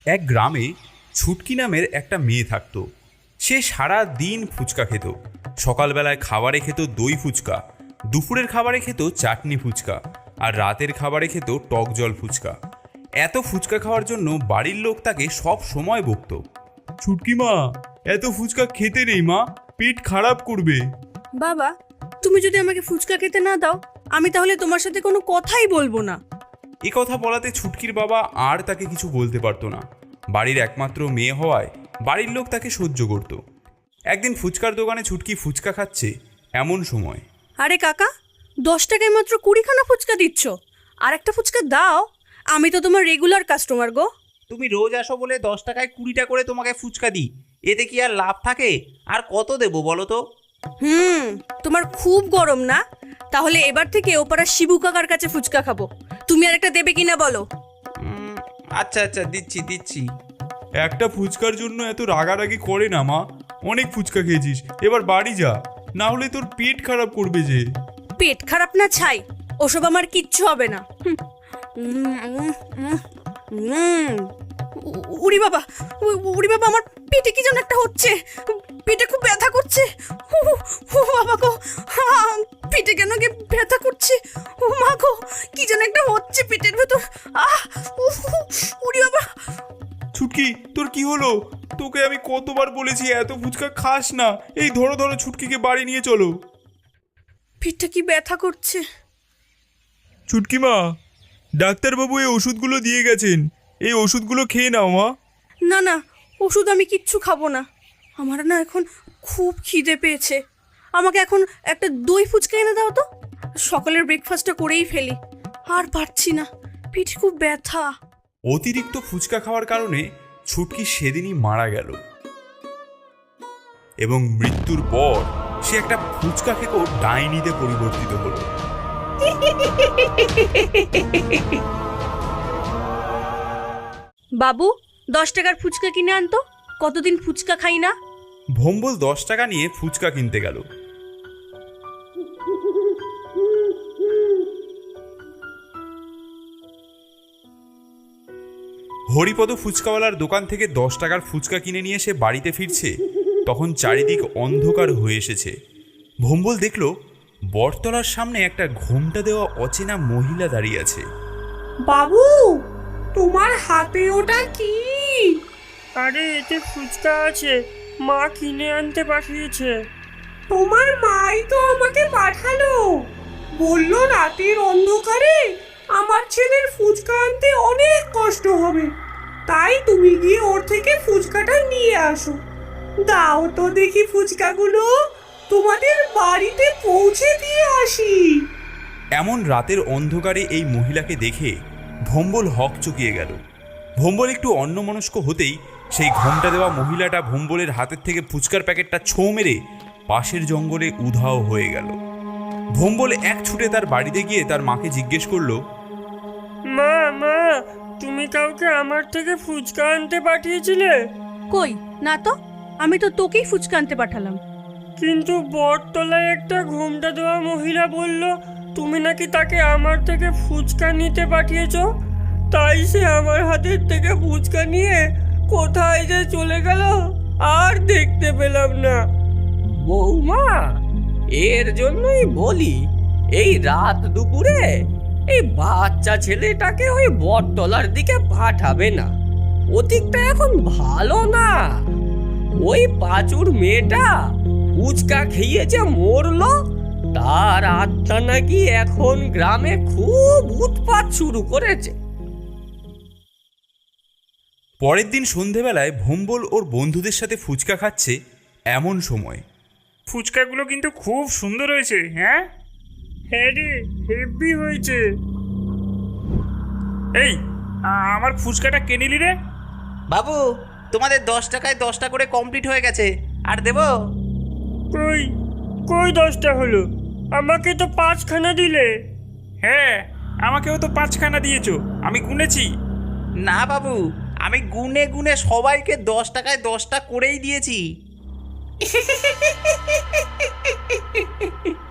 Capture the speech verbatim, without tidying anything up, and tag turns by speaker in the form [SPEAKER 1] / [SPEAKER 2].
[SPEAKER 1] এক গ্রামে ছুটকি নামের একটা মেয়ে থাকত। সে সারা দিন ফুচকা খেত। সকালবেলায় খাবারে খেত দই ফুচকা, দুপুরের খাবারে খেত চাটনি ফুচকা, আর রাতের খাবারে খেত টক জল ফুচকা। এত ফুচকা খাওয়ার জন্য বাড়ির লোক তাকে সব সময় বকত। ছুটকি মা, এত ফুচকা খেতে নেই মা, পেট খারাপ করবে।
[SPEAKER 2] বাবা, তুমি যদি আমাকে ফুচকা খেতে না দাও, আমি তাহলে তোমার সাথে কোনো কথাই বলবো না।
[SPEAKER 1] এ কথা বলাতে ছুটকির বাবা আর তাকে কিছু বলতে পারতো না। বাড়ির একমাত্র মেয়ে হওয়ায় বাড়ির লোক তাকে সহ্য করত। একদিন ফুচকার দোকানে ছুটকি ফুচকা খাচ্ছে, এমন সময়।
[SPEAKER 2] আরে কাকা, দশ টাকায় মাত্র কুড়িখানা ফুচকা দিচ্ছ, আর একটা ফুচকা দাও। আমি তো তোমার রেগুলার কাস্টমার গো।
[SPEAKER 3] তুমি রোজ আসো বলে দশ টাকায় কুড়িটা করে তোমাকে ফুচকা দিই, এতে কি আর লাভ থাকে? আর কত দেবো বলো তো?
[SPEAKER 2] হুম তোমার খুব গরম না? তাহলে এবার থেকে ওপাড়া শিবু কাকার কাছে ফুচকা খাবো। তুমি আর একটা দেবে কিনা বলো?
[SPEAKER 3] উম, আচ্ছা আচ্ছা দিচ্ছি দিচ্ছি।
[SPEAKER 1] একটা ফুচকার জন্য এত রাগারাগি করে না মা, অনেক ফুচকা খেয়েছিস, এবার বাড়ি যা, না হলে তোর পেট খারাপ করবে যে।
[SPEAKER 2] পেট খারাপ না ছাই, ওসব আমার কিচ্ছু হবে না। হুম, উম, উম, উম, উম। উ- উড়ি বাবা, উ- উড়ি বাবা, আমার পেটে কি যেন একটা হচ্ছে, পেটে খুব ব্যথা করছে। ও ও বাবা গো, হা, পেটে কেন কি ব্যথা করছে? ও মা গো, কি যেন একটা হচ্ছে পেটের ভেতর। আহ উফ, উড়ি বাবা।
[SPEAKER 1] ছুটকি, তোর কি হলো? তোকে আমি কতবার বলেছি এত ফুচকা খাস না। এই ধরো ধরো ছুটকিকে বাড়ি নিয়ে চলো।
[SPEAKER 2] পেটটা কি ব্যথা করছে।
[SPEAKER 1] ছুটকি মা, ডাক্তারবাবু এই ওষুধগুলো দিয়ে গেছেন, এই ওষুধগুলো খেয়ে নাও মা।
[SPEAKER 2] না না, ওষুধ আমি কিচ্ছু খাবো না। আমার না এখন খুব খিদে পেয়েছে। আমাকে এখন একটা দই ফুচকা এনে দাও তো, সকালের ব্রেকফাস্টটা করেই ফেলি। আর পারছি না, পিঠ খুব ব্যথা।
[SPEAKER 1] অতিরিক্ত ফুচকা খাওয়ার কারণে ছুটকি সেদিনই মারা গেল, এবং মৃত্যুর পর সে একটা ফুচকা খেকো ডাইনিতে পরিবর্তিত হলো।
[SPEAKER 2] বাবু, দশ টাকার ফুচকা কিনে আনতো, কতদিন ফুচকা খাই না।
[SPEAKER 1] ভম্বল দশ টাকা নিয়ে ফুচকা কিনতে গেল। হরিপদ ফুচকাওয়ালার দোকান থেকে দশ টাকার ফুচকা কিনে নিয়ে সে বাড়িতে ফিরছে, তখন চারিদিক অন্ধকার হয়ে এসেছে। ভম্বল দেখল বটতলার সামনে একটা ঘোমটা দেওয়া অচেনা মহিলা দাঁড়িয়ে আছে।
[SPEAKER 4] বাবু, তোমার হাতে ওটা কি?
[SPEAKER 5] আরে এতে ফুচকা আছে, মা কিনে আনতে পাঠিয়েছে।
[SPEAKER 4] তোমার মাই তো আমাকে পাঠালো, বললো রাতের অন্ধকারে আমার ছেলের ফুচকা আনতে অনেক কষ্ট হবে, তাই তুমি গিয়ে ওর থেকে ফুচকাটা নিয়ে আসো। দাও তো দেখি ফুচকাগুলো, তোমাদের বাড়িতে পৌঁছে দিয়ে আসি।
[SPEAKER 1] এমন রাতের অন্ধকারে এই মহিলাকে দেখে ভম্বল হক চকিয়ে গেল। ভম্বল একটু অন্যমনস্ক হতেই সেই ঘোমটা দেওয়া মহিলাটা ভম্বলের হাতের থেকে ফুচকার প্যাকেটটা ছোঁ মেরে পাশের জঙ্গলে উধাও হয়ে গেল। ভম্বল এক ছুটে তার বাড়িতে গিয়ে তার মাকে জিজ্ঞেস করলো,
[SPEAKER 5] মা মা, তুমি কাউকে আমার থেকে ফুচকা আনতে পাঠিয়েছিলে?
[SPEAKER 2] কই না তো, আমি তো তোকেই ফুচকা আনতে পাঠালাম।
[SPEAKER 5] কিন্তু বটতলায় একটা ঘোমটা দেওয়া মহিলা বলল তুমি নাকি তাকে আমার থেকে ফুচকা নিতে পাঠিয়েছো, তাই সে আমার হাতের থেকে ফুচকা নিয়ে কোথায় যে চলে গেল আর দেখতে পেলাম না।
[SPEAKER 3] বৌমা, এর জন্যই বলি এই রাত দুপুরে এই বাচ্চা ছেলেটাকে ওই বটতলার দিকে পাঠাবে না, অতীকটা এখন ভালো না। ওই পাঁচুর মেয়েটা ফুচকা খেয়ে যে মরলো, তার আত্মা নাকি এখন গ্রামে খুব উৎপাত শুরু করেছে।
[SPEAKER 1] পরের দিন সন্ধেবেলায় ভম্বল ওর বন্ধুদের সাথে ফুচকা খাচ্ছে, এমন সময়।
[SPEAKER 6] ফুচকাগুলো কিন্তু খুব সুন্দর হয়েছে। হ্যাঁ
[SPEAKER 5] হ্যাঁ রে, হেভি হয়েছে।
[SPEAKER 6] এই, আ- আমার ফুচকাটা কে নিলি রে?
[SPEAKER 3] বাবু, তোমাদের দশ টাকায় দশটা করে কমপ্লিট হয়ে গেছে, আর দেবো?
[SPEAKER 5] কই কই দশটা হলো? আমাকে তো পাঁচখানা দিলে।
[SPEAKER 6] হ্যাঁ, আমাকেও তো পাঁচখানা দিয়েছো, আমি গুনেছি।
[SPEAKER 3] না বাবু, আমি গুনে গুনে সবাইকে দশ টাকায় দশটা করেই দিয়েছি।